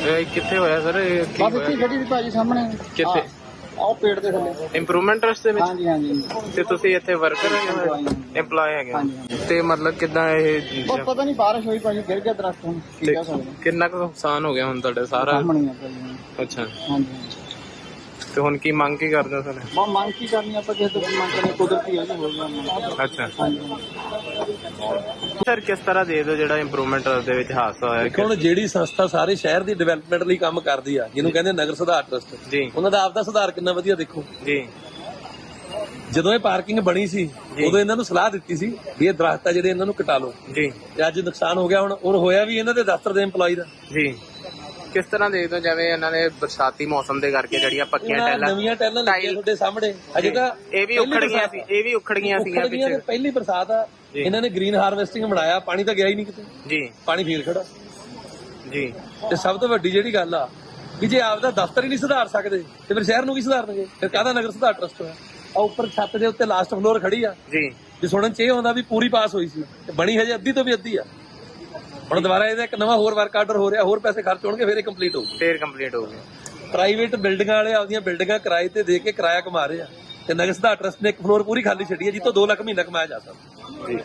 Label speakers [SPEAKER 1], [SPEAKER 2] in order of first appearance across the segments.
[SPEAKER 1] ਕਿੱਥੇ ਹੋਇਆ ਸਰ?
[SPEAKER 2] ਬਸ ਇੱਥੇ ਗੱਡੀ ਦੀ ਭਾਜੀ ਸਾਹਮਣੇ
[SPEAKER 1] ਕਿੱਥੇ?
[SPEAKER 2] ਆਹ ਪੇੜ ਦੇ ਥੱਲੇ।
[SPEAKER 1] ਇੰਪਰੂਵਮੈਂਟ ਟਰਸਟ ਦੇ ਵਿੱਚ?
[SPEAKER 2] ਹਾਂਜੀ ਹਾਂਜੀ।
[SPEAKER 1] ਤੇ ਤੁਸੀਂ ਇੱਥੇ ਵਰਕਰ ਹੈਗੇ, EMPLOYE ਹੈਗੇ? ਤੇ ਮਤਲਬ ਕਿੱਦਾਂ ਇਹ
[SPEAKER 2] ਬਸ ਪਤਾ ਨਹੀਂ ਬਾਰਿਸ਼ ਹੋਈ ਭਾਜੀ, ਗਿਰ ਗਿਆ ਦਰਖਤ। ਹੁਣ ਕੀ ਕਹਿ ਸਕਦੇ।
[SPEAKER 1] ਕਿੰਨਾ ਕੁ ਨੁਕਸਾਨ ਹੋ ਗਿਆ ਹੁਣ ਤੁਹਾਡੇ ਸਾਰਾ?
[SPEAKER 2] ਸਾਹਮਣੇ ਆ ਭਾਜੀ।
[SPEAKER 1] ਅੱਛਾ,
[SPEAKER 2] ਹਾਂਜੀ।
[SPEAKER 1] ਤੇ ਹੁਣ ਕੀ ਮੰਗ ਕੀ ਕਰਦੇ ਹੋ ਸਰ?
[SPEAKER 2] ਬਸ ਮੰਗ ਕੀ ਕਰਨੀ ਆਪਾਂ, ਕਿਸੇ ਤੋਂ ਮੰਗ ਕਰਨੀ ਕੁਦਰਤੀ ਹੈ ਜੀ, ਹੋਰ ਗੱਲ।
[SPEAKER 1] ਅੱਛਾ
[SPEAKER 2] ਹਾਂਜੀ
[SPEAKER 1] ਸਰ, ਕਿਸ ਤਰ੍ਹਾਂ ਦੇ ਦਿਓ ਜਿਹੜਾ ਇੰਪਰੂਵਮੈਂਟ ਦੇ ਵਿੱਚ ਹਾਦਸਾ ਹੋਇਆ?
[SPEAKER 3] ਹੁਣ ਜਿਹੜੀ ਸੰਸਥਾ ਸਾਰੇ ਸ਼ਹਿਰ ਦੀ ਡਿਵੈਲਪਮੈਂਟ ਲਈ ਕੰਮ ਕਰਦੀ ਆ, ਜਿਹਨੂੰ ਕਹਿੰਦੇ ਨਗਰ ਸੁਧਾਰ ਟਰਸਟ,
[SPEAKER 1] ਜੀ,
[SPEAKER 3] ਉਹਨਾਂ ਦਾ ਆਪਦਾ ਸੁਧਾਰ ਕਿੰਨਾ ਵਧੀਆ ਦੇਖੋ
[SPEAKER 1] ਜੀ।
[SPEAKER 3] ਜਦੋਂ ਇਹ ਪਾਰਕਿੰਗ ਬਣੀ ਸੀ ਉਦੋਂ ਇਹਨਾਂ ਨੂੰ ਸਲਾਹ ਦਿੱਤੀ ਸੀ ਵੀ ਇਹ ਦਰਖਤ ਆ ਜਿਹੜੇ ਇਹਨਾਂ ਨੂੰ ਕਟਾ ਲਓ
[SPEAKER 1] ਜੀ।
[SPEAKER 3] ਤੇ ਅੱਜ ਨੁਕਸਾਨ ਹੋ ਗਿਆ ਹੁਣ, ਔਰ ਹੋਇਆ ਵੀ ਇਹਨਾਂ ਦੇ ਦਫ਼ਤਰ ਦੇ EMPLOYE ਦਾ।
[SPEAKER 1] ਜੀ, ਕਿਸ ਤਰ੍ਹਾਂ ਦੇਖਦੇ ਹੋ ਜਿਵੇਂ ਇਹਨਾਂ ਨੇ ਬਰਸਾਤੀ ਮੌਸਮ ਦੇ ਕਰਕੇ ਜਿਹੜੀਆਂ ਪੱਕੀਆਂ ਟੈਲਾਂ,
[SPEAKER 3] ਨਵੀਆਂ ਟੈਲਾਂ ਲੱਗੀਆਂ ਤੁਹਾਡੇ ਸਾਹਮਣੇ, ਅਜੇ ਤਾਂ
[SPEAKER 1] ਇਹ ਵੀ ਉਖੜ ਗਈਆਂ ਸੀ, ਇਹ ਵੀ ਉਖੜ ਗਈਆਂ ਸੀਗੀਆਂ ਪਿੱਛੇ।
[SPEAKER 3] ਪਹਿਲੀ ਬਰਸਾਤ ਆ, ਇਹਨਾਂ ਨੇ ਗ੍ਰੀਨ ਹਾਰਵੈਸਟਿੰਗ ਬਣਾਇਆ, ਪਾਣੀ ਤਾਂ ਗਿਆ ਹੀ ਨਹੀਂ ਕਿਤੇ
[SPEAKER 1] ਜੀ,
[SPEAKER 3] ਪਾਣੀ ਫੇਰ ਖੜਾ
[SPEAKER 1] ਜੀ।
[SPEAKER 3] ਤੇ ਸਭ ਤੋਂ ਵੱਡੀ ਜਿਹੜੀ ਗੱਲ ਆ ਵੀ ਜੇ ਆਪਦਾ ਦਫ਼ਤਰ ਹੀ ਨਹੀਂ ਸੁਧਾਰ ਸਕਦੇ ਤੇ ਫਿਰ ਸ਼ਹਿਰ ਨੂੰ ਕੀ ਸੁਧਾਰਨਗੇ? ਫਿਰ ਕਾਹਦਾ ਨਗਰ ਸੁਧਾਰ ਟਰਸਟ ਹੋਇਆ? ਆ ਉੱਪਰ ਛੱਤ ਦੇ ਉੱਤੇ ਲਾਸਟ ਫਲੋਰ ਖੜੀ ਆ
[SPEAKER 1] ਜੀ।
[SPEAKER 3] ਜੇ ਸੁਣਨ ਚ ਇਹ ਆਉਂਦਾ ਵੀ ਪੂਰੀ ਪਾਸ ਹੋਈ ਸੀ, ਤੇ ਬਣੀ ਹਜੇ ਅੱਧੀ ਤੋਂ ਵੀ ਅੱਧੀ ਆ। ਹੁਣ ਦੁਬਾਰਾ ਇਹਦਾ ਇੱਕ ਨਵਾਂ ਹੋਰ ਵਰਕ ਆਰਡਰ ਹੋ ਰਿਹਾ, ਹੋਰ ਪੈਸੇ ਖਰਚ ਹੋਣਗੇ, ਫਿਰ ਇਹ ਕੰਪਲੀਟ ਹੋਊ।
[SPEAKER 1] ਫੇਰ ਕੰਪਲੀਟ ਹੋ ਗਿਆ।
[SPEAKER 3] ਪ੍ਰਾਈਵੇਟ ਬਿਲਡਿੰਗਾਂ ਵਾਲੇ ਆਪਦੀਆਂ ਬਿਲਡਿੰਗਾਂ ਕਿਰਾਏ ਤੇ ਦੇ ਕੇ ਕਿਰਾਇਆ ਕਮਾ ਰਹੇ ਆ, ਤੇ ਨਗਰ ਸੁਧਾਰ ਟਰਸਟ ਨੇ ਇੱਕ ਫਲੋਰ ਪੂਰੀ ਖਾਲੀ ਛੱਡੀ ਹੈ ਜਿੱਥੋਂ 2 ਲੱਖ ਮਹੀਨਾ ਕਮਾਇਆ ਜਾ ਸਕਦਾ।
[SPEAKER 1] ਜੀ।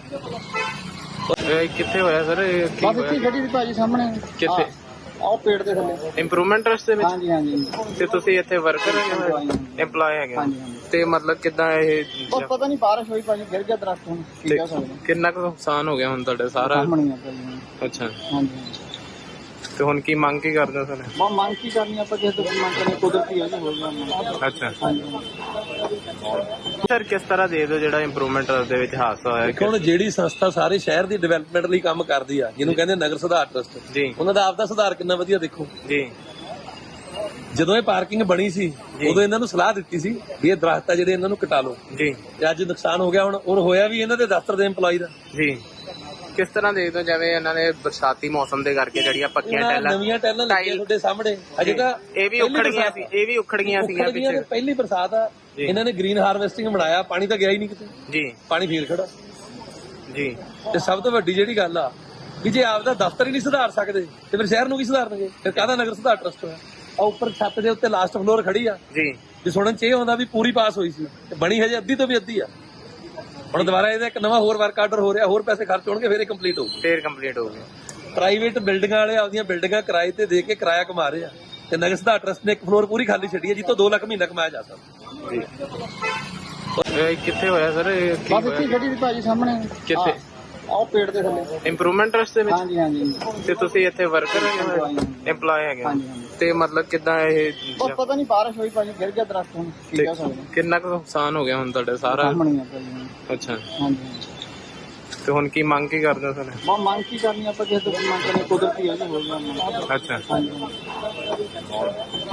[SPEAKER 1] ਕਿੱਥੇ ਹੋਇਆ ਸਰ?
[SPEAKER 2] ਬਸ ਇੱਥੇ ਗੱਡੀ ਦੀ ਭਾਜੀ ਸਾਹਮਣੇ।
[SPEAKER 1] ਕਿੱਥੇ?
[SPEAKER 2] ਆਹ ਪੇੜ ਦੇ ਥੱਲੇ।
[SPEAKER 1] ਇੰਪਰੂਵਮੈਂਟ ਟਰਸਟ ਦੇ ਵਿੱਚ?
[SPEAKER 2] ਹਾਂਜੀ ਹਾਂਜੀ।
[SPEAKER 1] ਤੇ ਤੁਸੀਂ ਇੱਥੇ ਵਰਕਰ ਹੈਗੇ, EMPLOYE ਹੈਗੇ? ਤੇ ਮਤਲਬ ਕਿੱਦਾਂ ਇਹ
[SPEAKER 2] ਬਸ ਪਤਾ ਨਹੀਂ ਬਾਰਿਸ਼ ਹੋਈ ਭਾਜੀ, ਗਿਰ ਗਿਆ ਦਰਖਤ। ਹੁਣ ਕੀ ਕਹਿ ਸਕਦੇ।
[SPEAKER 1] ਕਿੰਨਾ ਕੁ ਨੁਕਸਾਨ ਹੋ ਗਿਆ ਹੁਣ ਤੁਹਾਡੇ ਸਾਰਾ?
[SPEAKER 2] ਸਾਹਮਣੇ ਆ ਭਾਜੀ।
[SPEAKER 1] ਅੱਛਾ,
[SPEAKER 2] ਹਾਂਜੀ।
[SPEAKER 1] ਤੇ ਹੁਣ ਕੀ ਮੰਗ ਕੀ ਕਰਦੇ ਹੋ ਸਰ?
[SPEAKER 2] ਬਸ ਮੰਗ ਕੀ ਕਰਨੀ ਆਪਾਂ, ਕਿਸੇ ਤੋਂ ਮੰਗ ਕਰਨੀ ਕੁਦਰਤੀ ਹੈ ਜੀ, ਹੋਰ ਗੱਲ।
[SPEAKER 1] ਅੱਛਾ
[SPEAKER 2] ਹਾਂਜੀ
[SPEAKER 1] ਸਰ, ਕਿਸ ਤਰ੍ਹਾਂ ਦੇ ਦਿਓ ਜਿਹੜਾ ਇੰਪਰੂਵਮੈਂਟ ਦੇ ਵਿੱਚ ਹਾਦਸਾ ਹੋਇਆ?
[SPEAKER 3] ਹੁਣ ਜਿਹੜੀ ਸੰਸਥਾ ਸਾਰੇ ਸ਼ਹਿਰ ਦੀ ਡਿਵੈਲਪਮੈਂਟ ਲਈ ਕੰਮ ਕਰਦੀ ਆ, ਜਿਹਨੂੰ ਕਹਿੰਦੇ ਨਗਰ ਸੁਧਾਰ ਟਰਸਟ,
[SPEAKER 1] ਜੀ,
[SPEAKER 3] ਉਹਨਾਂ ਦਾ ਆਪਦਾ ਸੁਧਾਰ ਕਿੰਨਾ ਵਧੀਆ ਦੇਖੋ
[SPEAKER 1] ਜੀ।
[SPEAKER 3] ਜਦੋਂ ਇਹ ਪਾਰਕਿੰਗ ਬਣੀ ਸੀ ਉਦੋਂ ਇਹਨਾਂ ਨੂੰ ਸਲਾਹ ਦਿੱਤੀ ਸੀ ਵੀ ਇਹ ਦਰਖਤ ਆ ਜਿਹੜੇ ਇਹਨਾਂ ਨੂੰ ਕਟਾ ਲਓ
[SPEAKER 1] ਜੀ।
[SPEAKER 3] ਤੇ ਅੱਜ ਨੁਕਸਾਨ ਹੋ ਗਿਆ ਹੁਣ, ਔਰ ਹੋਇਆ ਵੀ ਇਹਨਾਂ ਦੇ ਦਫ਼ਤਰ ਦੇ EMPLOYE ਦਾ।
[SPEAKER 1] ਜੀ, ਕਿਸ ਤਰ੍ਹਾਂ ਦੇਖਦੇ ਹੋ ਜਿਵੇਂ ਇਹਨਾਂ ਨੇ ਬਰਸਾਤੀ ਮੌਸਮ ਦੇ ਕਰਕੇ ਜਿਹੜੀਆਂ ਪੱਕੀਆਂ ਟੈਲਾਂ,
[SPEAKER 3] ਨਵੀਆਂ ਟੈਲਾਂ ਲੱਗੀਆਂ ਤੁਹਾਡੇ ਸਾਹਮਣੇ, ਅਜੇ ਤਾਂ
[SPEAKER 1] ਇਹ ਵੀ ਉਖੜ ਗਈਆਂ ਸੀ, ਇਹ ਵੀ ਉਖੜ ਗਈਆਂ ਸੀਗੀਆਂ ਪਿੱਛੇ।
[SPEAKER 3] ਪਹਿਲੀ ਬਰਸਾਤ ਆ, ਇਹਨਾਂ ਨੇ ਗ੍ਰੀਨ ਹਾਰਵੈਸਟਿੰਗ ਬਣਾਇਆ, ਪਾਣੀ ਤਾਂ ਗਿਆ ਹੀ ਨਹੀਂ ਕਿਤੇ
[SPEAKER 1] ਜੀ,
[SPEAKER 3] ਪਾਣੀ ਫੇਰ ਖੜਾ।
[SPEAKER 1] ਜੀ।
[SPEAKER 3] ਤੇ ਸਭ ਤੋਂ ਵੱਡੀ ਜਿਹੜੀ ਗੱਲ ਆ ਵੀ ਜੇ ਆਪਦਾ ਦਫ਼ਤਰ ਹੀ ਨਹੀਂ ਸੁਧਾਰ ਸਕਦੇ ਤੇ ਫਿਰ ਸ਼ਹਿਰ ਨੂੰ ਕੀ ਸੁਧਾਰਨਗੇ? ਫਿਰ ਕਾਹਦਾ ਨਗਰ ਸੁਧਾਰ ਟਰਸਟ ਹੋਇਆ? ਆ ਉੱਪਰ ਛੱਤ ਦੇ ਉੱਤੇ ਲਾਸਟ ਫਲੋਰ ਖੜੀ ਆ
[SPEAKER 1] ਜੀ।
[SPEAKER 3] ਜੇ ਸੁਣਨ ਚ ਇਹ ਆਉਂਦਾ ਵੀ ਪੂਰੀ ਪਾਸ ਹੋਈ ਸੀ, ਤੇ ਬਣੀ ਹਜੇ ਅੱਧੀ ਤੋਂ ਵੀ ਅੱਧੀ ਆ। ਹੁਣ ਦੁਬਾਰਾ ਇਹਦਾ ਇੱਕ ਨਵਾਂ ਹੋਰ ਵਰਕ ਆਰਡਰ ਹੋ ਰਿਹਾ, ਹੋਰ ਪੈਸੇ ਖਰਚ ਹੋਣਗੇ, ਫਿਰ ਇਹ ਕੰਪਲੀਟ ਹੋਊ।
[SPEAKER 1] ਫੇਰ ਕੰਪਲੀਟ ਹੋ ਗਿਆ।
[SPEAKER 3] ਪ੍ਰਾਈਵੇਟ ਬਿਲਡਿੰਗਾਂ ਵਾਲੇ ਆਪਦੀਆਂ ਬਿਲਡਿੰਗਾਂ ਕਿਰਾਏ ਤੇ ਦੇ ਕੇ ਕਿਰਾਇਆ ਕਮਾ ਰਹੇ ਆ, ਤੇ ਨਗਰ ਸੁਧਾਰ ਟਰਸਟ ਨੇ ਇੱਕ ਫਲੋਰ ਪੂਰੀ ਖਾਲੀ ਛੱਡੀ ਹੈ ਜਿੱਥੋਂ 2 ਲੱਖ ਮਹੀਨਾ ਕਮਾਇਆ ਜਾ ਸਕਦਾ।
[SPEAKER 1] ਜੀ। ਕਿੱਥੇ ਹੋਇਆ ਸਰ?
[SPEAKER 2] ਬਸ ਇੱਥੇ ਗੱਡੀ ਦੀ ਭਾਜੀ ਸਾਹਮਣੇ।
[SPEAKER 1] ਕਿੱਥੇ?
[SPEAKER 2] ਆਹ ਪੇੜ ਦੇ ਥੱਲੇ।
[SPEAKER 1] ਇੰਪਰੂਵਮੈਂਟ ਟਰਸਟ ਦੇ ਵਿੱਚ?
[SPEAKER 2] ਹਾਂਜੀ ਹਾਂਜੀ।
[SPEAKER 1] ਤੇ ਤੁਸੀਂ ਇੱਥੇ ਵਰਕਰ ਹੈਗੇ, EMPLOYE ਹੈਗੇ? ਤੇ ਮਤਲਬ ਕਿੱਦਾਂ ਇਹ
[SPEAKER 2] ਬਸ ਪਤਾ ਨਹੀਂ ਬਾਰਿਸ਼ ਹੋਈ ਭਾਜੀ, ਗਿਰ ਗਿਆ ਦਰਖਤ। ਹੁਣ ਕੀ ਕਹਿ ਸਕਦੇ।
[SPEAKER 1] ਕਿੰਨਾ ਕੁ ਨੁਕਸਾਨ ਹੋ ਗਿਆ ਹੁਣ ਤੁਹਾਡੇ ਸਾਰਾ?
[SPEAKER 2] ਸਾਹਮਣੇ ਆ ਭਾਜੀ।
[SPEAKER 1] ਅੱਛਾ,
[SPEAKER 2] ਹਾਂਜੀ।
[SPEAKER 1] ਤੇ ਹੁਣ ਕੀ ਮੰਗ ਕੀ ਕਰਦੇ ਹੋ ਸਰ?
[SPEAKER 2] ਬਸ ਮੰਗ ਕੀ ਕਰਨੀ ਆਪਾਂ, ਕਿਸੇ ਤੋਂ ਮੰਗ ਕਰਨੀ ਕੁਦਰਤੀ ਹੈ ਜੀ, ਹੋਰ ਗੱਲ।
[SPEAKER 1] ਅੱਛਾ।
[SPEAKER 2] ਹਾਂਜੀ।